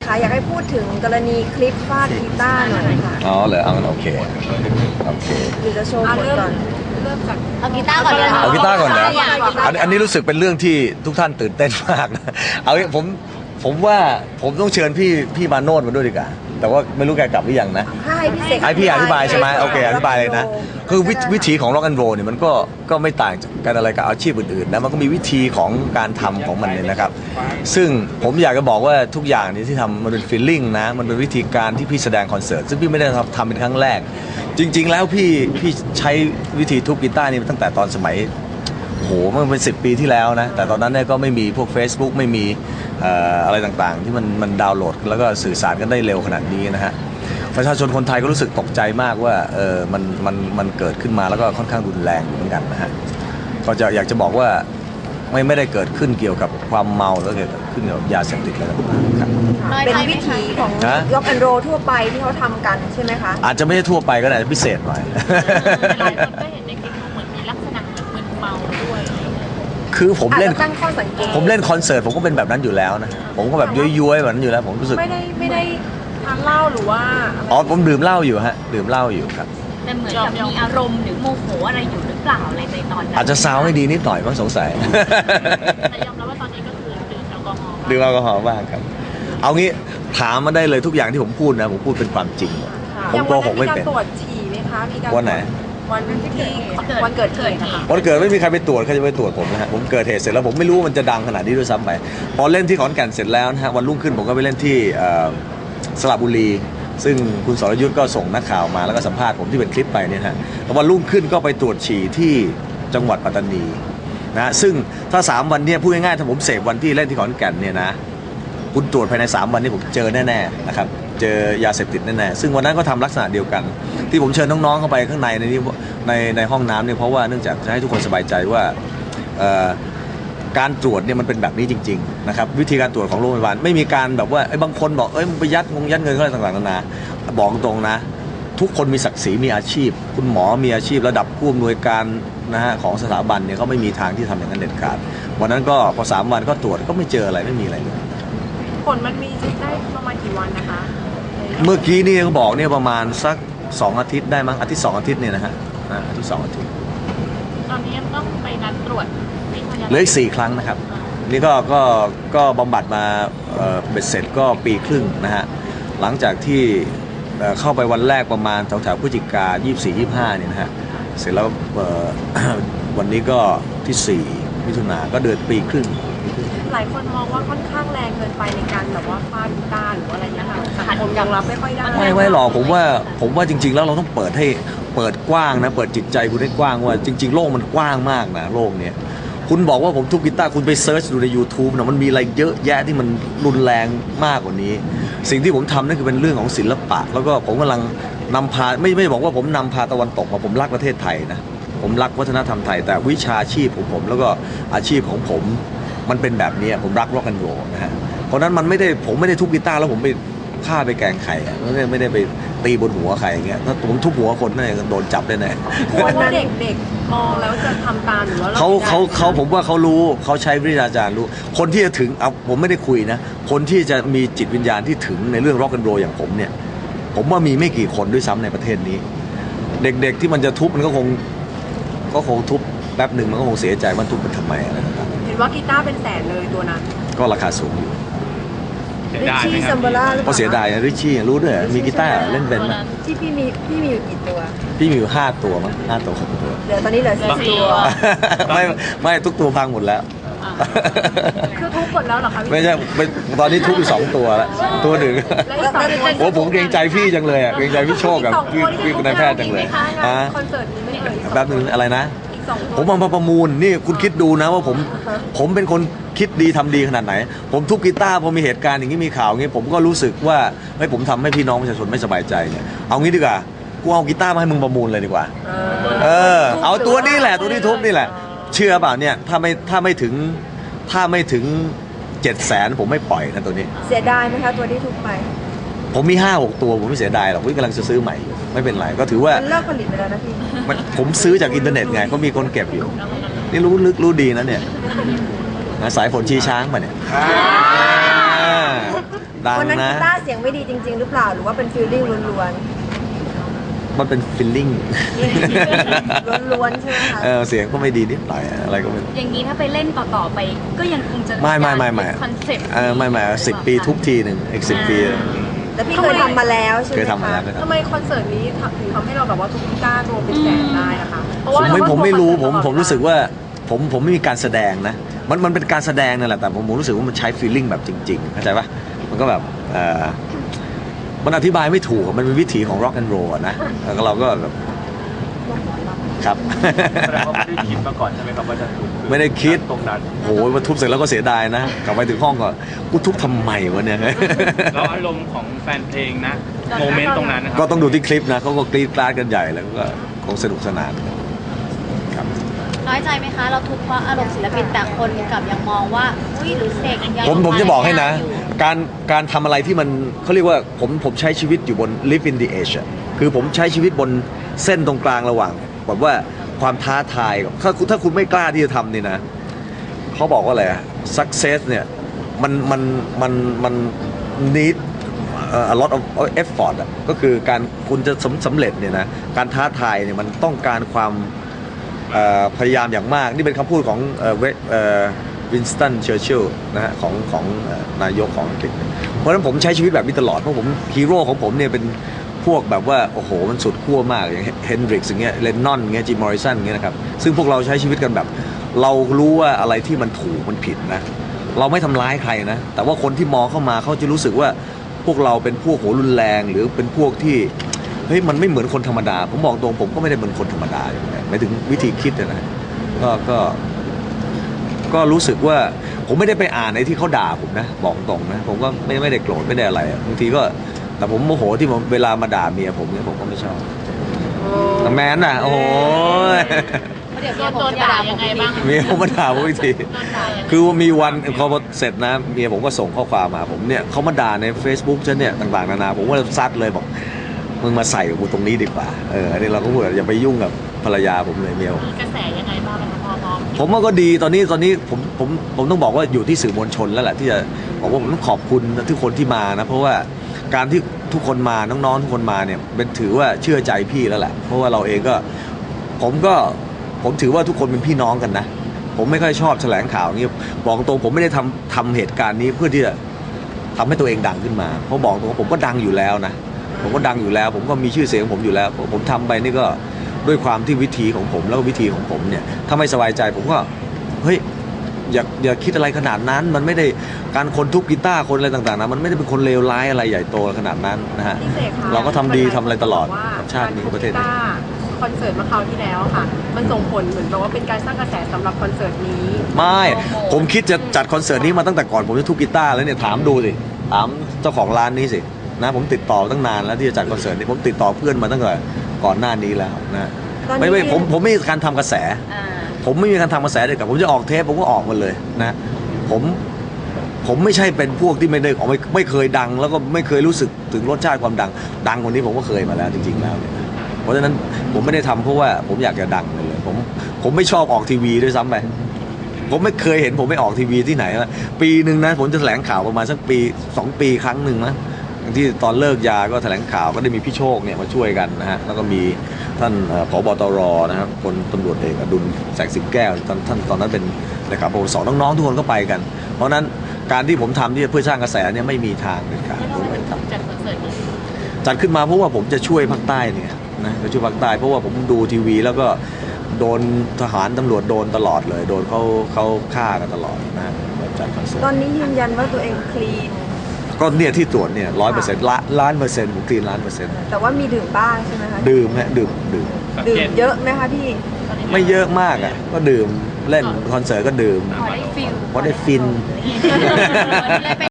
ค่ะอยากให้พูดถึงกรณีคลิปฟาดกีตาร์หน่อยค่ะอ๋อเหรอเอาโอเคหรือจะโชว์ผลก่อนเริ่มจากเอากีตาร์ก่อนเลยเอากีตาร์ก่อนนะอันนี้รู้สึกเป็นเรื่องที่ทุกท่านตื่นเต้นมากนะเอาผมว่าผมต้องเชิญพี่มาโนดมาด้วยดีกว่าแต่ว่าไม่รู้แกกลับหรือยังนะให้พี่อธิบายใช่ไหมโอเคอธิบายเลยนะคือวิธีของร็อกแอนด์โรลเนี่ยมันก็ไม่ต่างกันอะไรกับอาชีพอื่นๆนะมันก็มีวิธีของการทำของมันเลยนะครับซึ่งผมอยากจะบอกว่าทุกอย่างนี้ที่ทำมันเป็นฟีลลิ่งนะมันเป็นวิธีการที่พี่แสดงคอนเสิร์ตซึ่งพี่ไม่ได้ทำเป็นครั้งแรกจริงๆแล้วพี่ใช้วิธีทุบกีตาร์นี่ตั้งแต่ตอนสมัยโอ้โหมันเป็น10 ปีที่แล้วนะแต่ตอนนั้นเนี่ยก็ไม่มีพวก Facebook ไม่มีอะไรต่างๆที่มันดาวน์โหลดแล้วก็สื่อสารกันได้เร็วขนาดนี้นะฮะประชาชนคนไทยก็รู้สึกตกใจมากว่ามันเกิดขึ้นมาแล้วก็ค่อนข้างรุนแรงเหมือนกันนะฮะก็อยากจะบอกว่าไม่ได้เกิดขึ้นเกี่ยวกับความเมาแล้วเกิดขึ้นเกี่ยวกับยาเสพติดอะไรต่างๆครับเป็นวิธีของร็อกแอนด์โรลทั่วไปที่เขาทำกันใช่ไหมคะอาจจะไม่ใช่ทั่วไปก็ได้พิเศษหน่อยหลายคนก็เห็นในคลิปเหมือนมีลักษณะเหมือนเมาด้วยคือผมเล่นคอนเสิร์ตผมก็เป็นแบบนั้นอยู่แล้วนะผมก็แบบย้วยๆแบบนั้นอยู่แล้วผมรู้สึกไม่ได้ทานเหล้าหรือว่าผมดื่มเหล้าอยู่ฮะดื่มเหล้าอยู่ครับแต่เหมือนกับมีอารมณ์หรือโมโหอะไรอยู่หรือเปล่าอะไรในตอนนั้นอาจจะซาวให้ดีนิดหน่อยบ้างสงสัยแต่ยอมรับว่าตอนนี้ก็คือดื่มแอลกอฮอล์บ้างครับเอางี้ถามมาได้เลยทุกอย่างที่ผมพูดนะผมพูดเป็นความจริงผมโกหกไม่เป็นตรวจฉี่ไหมคะมีการวันไหนวันเกิดเหตุค่ะวันเกิดไม่มีใครไปตรวจใครจะไปตรวจผมนะฮะผมเกิดเหตุเสร็จแล้วผมไม่รู้มันจะดังขนาดนี้ด้วยซ้ำไปพอเล่นที่ขอนแก่นเสร็จแล้วนะฮะวันรุ่งขึ้นผมก็ไปเล่นที่สระบุรีซึ่งคุณสรยุทธ์ก็ส่งนักข่าวมาแล้วก็สัมภาษณ์ผมที่เป็นคลิปไปเนี่ยฮะแล้ววันรุ่งขึ้นก็ไปตรวจฉี่ที่จังหวัดปัตตานีนะซึ่งถ้า3 วันเนี่ยพูดง่ายๆถ้าผมเสพวันที่เล่นที่ขอนแก่นเนี่ยนะคุณตรวจภายใน3 วันนี้ผมเจอแน่ๆนะครับเจอยาเสพติดแน่ๆซึ่งวันนั้นก็ทำลักษณะเดียวกันที่ผมเชิญน้องๆเข้าไปข้างในในห้องน้ำเนี่ยเพราะว่าเนื่องจากจะให้ทุกคนสบายใจว่าการตรวจเนี่ยมันเป็นแบบนี้จริงๆนะครับวิธีการตรวจของโรงพยาบาลไม่มีการแบบว่าบางคนบอกมึงไปยัดเงินอะไรต่างๆนานาบอกตรงนะทุกคนมีศักดิ์ศรีมีอาชีพคุณหมอมีอาชีพระดับผู้อำนวยการนะฮะของสถาบันเนี่ยเขาไม่มีทางที่ทำอย่างนั้นเด็ดขาดวันนั้นก็พอ3 วันก็ตรวจก็ไม่เจออะไรไม่มีอะไรเลยผลมันมีได้ประมาณกี่วันนะคะเมื่อกี้นี่เขาบอกเนี่ยประมาณสัก2 อาทิตย์ได้มั้งอาทิตย์2 อาทิตย์เนี่ยนะฮะอาทิตย์2 อาทิตย์ตอนนี้ต้องไปนัดตรวจเหลืออีก4 ครั้งนะครับนี่ก็บำบัดมาเบ็ดเสร็จก็ปีครึ่งนะฮะหลังจากที่เข้าไปวันแรกประมาณแถวพฤศจิกา24-25เนี่ยนะฮะเสร็จแล้ววันนี้ก็ที่4 มิถุนาก็เดือนปีครึ่งหลายคนมองว่าค่อนข้างแรงเกินไปในการแบบว่าฟาดกีตาร์หรืออะไรเงี้ยค่ะสังคมยังรับไม่ค่อยได้ไม่หรอกผมว่าจริงๆแล้วเราต้องเปิดกว้างนะเปิดจิตใจคุณให้กว้างว่าจริงๆโลกมันกว้างมากนะโลกเนี้ยคุณบอกว่าผมทุบกีตาร์คุณไปเซิร์ชดูใน YouTube นะมันมีอะไรเยอะแยะที่มันรุนแรงมากกว่านี้สิ่งที่ผมทำนั่นคือเป็นเรื่องของศิลปะแล้วก็ผมกำลังนำพาไม่บอกว่าผมนำพาตะวันตกมาผมรักประเทศไทยนะผมรักวัฒนธรรมไทยแต่วิชาชีพของผมแล้วก็อาชีพของผมมันเป็นแบบนี้ผมรักร็อกแอนด์โรลนะฮะเพราะนั้นผมไม่ได้ทุบกีตาร์แล้วผมไปฆ่าไปแกล้งใครไม่ได้ไปตีบนหัวใครอย่างเงี้ยถ้าผมทุบหัวคนเนี่ยโดนจับได้แน่คนเด็กมองแล้วจะทำตามหรือว่าเขาผมว่าเขารู้เขาใช้วิทยาจารย์รู้คนที่จะถึงผมไม่ได้คุยนะคนที่จะมีจิตวิญญาณที่ถึงในเรื่องร็อกแอนด์โรลอย่างผมเนี่ยผมว่ามีไม่กี่คนด้วยซ้ำในประเทศนี้เด็กๆที่มันจะทุบมันก็คงทุบแป๊บหนึ่งมันก็คงเสียใจว่าทุบมันทำไมอะไรต่างๆเห็นว่ากีตาร์เป็นแสนเลยตัวนั้นก็ราคาสูงอยู่ริชชี่ซัมเบล่าเพราะเสียดายนะริชชี่รู้ด้วยมีกีตาร์เล่นเป็นไหมที่พี่มีอยู่กี่ตัวพี่มีอยู่5 ตัวมั้ง5 ตัว6 ตัวเดี๋ยวตอนนี้เหลือ4 ตัวไม่ทุกตัวพังหมดแล้วคือทุบหมดแล้วเหรอคะไม่ใช่ตอนนี้ทุบอยู่2 ตัวแล้วตัวหนึ่งโอ้ผมเกรงใจพี่จังเลยอ่ะเกรงใจพี่โชคกับพี่นายแพทย์จังเลยคอนเสิร์ตนี้ไม่เคยแบบนึงอะไรนะผมมาประมูลนี่คุณคิดดูนะว่าผมเป็นคนคิดดีทำดีขนาดไหนผมทุบกีตาร์พอมีเหตุการณ์อย่างนี้มีข่าวอย่างนี้ผมก็รู้สึกว่าผมทำให้พี่น้องประชาชนไม่สบายใจเนี่ยเอางี้ดีกว่ากูเอากีตาร์มาให้มึงประมูลเลยดีกว่าเอาตัวนี้แหละตัวที่ทุบนี่แหละเชื่อเปล่าเนี่ยถ้าไม่ถึง700,000ผมไม่ปล่อยนะตัวนี้เสียดายไหมคะตัวที่ทุบไปผมมี5-6 ตัวผมไม่เสียดายหรอกผมกำลังจะซื้อใหม่ไม่เป็นไรก็ถือว่าเลิกผลิตไปแล้วนะพี่ผมซื้อจากอินเทอร์เน็ตไงก็มีคนเก็บอยู่นี่รู้ลึกรู้ดีนะเนี่ยสายฝนชี้ช้างมาเนี่ยดังวันนั้นนะกีตาร์เสียงไม่ดีจริง ๆ หรือเปล่าหรือว่าเป็นฟีลลิ่งล้วนมันเป็นฟีลลิ่งๆล้วนๆใช่ไหมคะเสียงก็ไม่ดีนิดหน่อยอะไรก็ไม่รู้อย่างนี้ถ้าไปเล่นต่อๆไป ก็ยังคงจะไม่คอนเซ็ปต์ไม่10 ปีทุกทีหนึ่งอีก10 ปีแล้วพี่เคยทำมาแล้วใช่ไหมเคยทำมาคะแล้วทำไมคอนเสิร์ตนี้ถึงทำให้เราแบบว่าทุกกีตาร์รวมเป็นแสนได้นะคะเพราะผว่ามไม่รู้ผมเราก็รู้สึกว่าผมไม่มีการแสดงนะมันเป็นการแสดงนั่นแหละแต่ผมรู้สึกว่ามันใช้ฟีลลิ่งแบบจริงๆเข้าใจปะมันก็แบบมันอธิบายไม่ถูกมันเป็นวิถีของ rock and roll อะนะแล้วเราก็แบบครับแสดงว่าไม่ได้คิดมาก่อนใช่ไหมครับว่าจะทุบไม่ได้คิดตรงนั้นโอ้โหมาทุบเสร็จแล้วก็เสียดายนะกลับไปถึงห้องก็กูทุบทำไมวะเนี่ยแล้วอารมณ์ของแฟนเพลงนะโมเมนต์ตรงนั้นนะครัก็ต้องดูที่คลิปนะเขาก็กรี๊ดกราดกันใหญ่แล้วก็คงสนุกสนานครับน้อยใจไหมคะ เราทุกข์เพราะอารมณ์ศิลปินแต่คนกลับยังมองว่าอุ้ยหรือเสกยังผมจะบอกให้นะอยู่การทำอะไรที่มันเขาเรียกว่าผมใช้ชีวิตอยู่บน live in the edge อะคือผมใช้ชีวิตบนเส้นตรงกลางระหว่างแบบว่าความท้าทายกับถ้าคุณไม่กล้าที่จะทำนี่นะเขาบอกว่าอะไรอะ success เนี่ยมัน need a lot of effort อะก็คือการคุณจะสำเร็จเนี่ยนะการท้าทายเนี่ยมันต้องการความพยายามอย่างมากนี่เป็นคำพูดของวินสตันเชอร์ชิลล์นะฮะของนายกของอังกฤษเพราะฉะนั้นผมใช้ชีวิตแบบนี้ตลอดเพราะผมฮีโร่ของผมเนี่ยเป็นพวกแบบว่าโอ้โหมันสุดขั้วมากอย่างเฮนดริกส์อย่างเงี้ยเลนนอนอย่างเงี้ยจิมมอริสันอย่างเงี้ยนะครับซึ่งพวกเราใช้ชีวิตกันแบบเรารู้ว่าอะไรที่มันถูกมันผิดนะเราไม่ทำร้ายใครนะแต่ว่าคนที่มองเข้ามาเขาจะรู้สึกว่าพวกเราเป็นพวกโหรุนแรงหรือเป็นพวกที่เฮ้ยมันไม่เหมือนคนธรรมดาผมบอกตรงผมก็ไม่ได้เป็นคนธรรมดาอย่างไรหมายถึงวิธีคิดนะก็รู้สึกว่าผมไม่ได้ไปอ่านในที่เขาด่าผมนะบอกตรงนะผมก็ไม่ได้โกรธไม่ได้อะไรบางทีก็แต่ผมโมโหที่เวลามาด่าเมียผมเนี่ยผมก็ไม่ชอบแต่แมนน่ะโอ้โหเดี๋ยวโดนด่ายังไงบ้างเมียผมมาด่าผมอีกทีโดนด่ายังไงคือว่ามีวันพอเสร็จนะเมียผมก็ส่งข้อความมาผมเนี่ยเขามาด่าใน Facebook ฉันเนี่ยต่างๆนานาผมก็ซัดเลยบอกมึงมาใส่กูตรงนี้ดีกว่าอันนี้เราก็พูดอย่าไปยุ่งกับภรรยาผมเลยเมียผมมีกระแสยังไงบ้างคะพอผมว่าก็ดีตอนนี้ผมต้องบอกว่าอยู่ที่สื่อมวลชนแล้วแหละที่จะบอกว่าผมต้องขอบคุณทุกคนที่มานะเพราะว่าการที่ทุกคนมาน้องๆทุกคนมาเนี่ยเป็นถือว่าเชื่อใจพี่แล้วแหละเพราะว่าเราเองก็ผมถือว่าทุกคนเป็นพี่น้องกันนะผมไม่ค่อยชอบแถลงข่าวนี้บอกตรงผมไม่ได้ทำเหตุการณ์นี้เพื่อที่จะทำให้ตัวเองดังขึ้นมาเพราะบอกตรงผมก็ดังอยู่แล้วนะผมก็ดังอยู่แล้วผมก็มีชื่อเสียงของผมอยู่แล้วผมทำไปนี่ก็ด้วยความที่วิธีของผมแล้วก็วิธีของผมเนี่ยถ้าไม่สบายใจผมก็เฮ้ยอย่าคิดอะไรขนาดนั้นมันไม่ได้การคนทุบกีตาร์คนอะไรต่างๆนะมันไม่ได้เป็นคนเลวร้ายอะไรใหญ่โตขนาดนั้นนะฮะพี่เสกคะเราก็ทำดีทำอะไรตลอดว่ากับชาตินี้กับประเทศกีนี้ตาร์คอนเสิร์ตเมื่อคราวที่แล้วค่ะ มันส่งผลเหมือนแบบว่าเป็นการสร้างกระแสสำหรับคอนเสิร์ตนี้ไม่ผมคิดจะจัดคอนเสิร์ตนี้มาตั้งแต่ก่อนผมจะทุบกีตาร์แล้วเนี่ยถามดูสิถามเจ้าของร้านนี้สินะผมติดต่อตั้งนานแล้วที่จะจัดคอนเสิร์ตนี้ผมติดต่อเพื่อนมาตั้งแต่ก่อนหน้านี้แล้วนะตอนนี้ไม่ผมไม่มีการทำกระแส ผมไม่มีการทำกระแสเด็ดกับผมจะออกเทปผมก็ออกมาเลยนะผมไม่ใช่เป็นพวกที่ไม่เคยดังแล้วก็ไม่เคยรู้สึกถึงรสชาติความดังกว่านี้ผมก็เคยมาแล้วจริงๆแล้วเนี่ยเพราะฉะนั้นผมไม่ได้ทำเพราะว่าผมอยากจะดังเลยผมไม่ชอบออกทีวีด้วยซ้ำไปผมไม่เคยเห็นผมไม่ออกทีวีที่ไหนนะปีหนึ่งนะผมจะแถลงข่าวประมาณสักปี2 ปีครั้งหนึ่งนะที่ตอนเลิกยาก็แถลงข่าวก็ได้มีพี่โชคเนี่ยมาช่วยกันนะฮะแล้วก็มีท่านผบ.ตร.นะครับพลตำรวจเอกอดุลแสงสิงแก้วท่านตอนนั้นเป็นเลขาปปส.น้องๆทุกคนก็ไปกันเพราะนั้นการที่ผมทำที่เพื่อสร้างกระแสเนี่ยไม่มีทางเด็ดขาดแล้วทำไมถึงจัดคอนเสิร์ตนี้จัดขึ้นมาเพราะว่าผมจะช่วยภาคใต้เนี่ยนะจะช่วยภาคใต้เพราะว่าผมดูทีวีแล้วก็โดนทหารตำรวจโดนตลอดเลยโดนเขาฆ่ากันตลอดนะจัดคอนเสิร์ตตอนนี้ยืนยันว่าตัวเองคลีนก็เนี่ยที่ตรวจเนี่ย100%ล้านเปอร์เซ็นต์ผมคลีน1,000,000% แต่ว่ามีดื่มบ้างใช่ไหมคะดื่มฮะดื่มดื่มเยอะไหมคะพี่ไม่เยอะมากอ่ะก็ดื่มเล่นคอนเสิร์ตก็ดื่มพอได้ฟิลเพราะได้ฟินเลยไป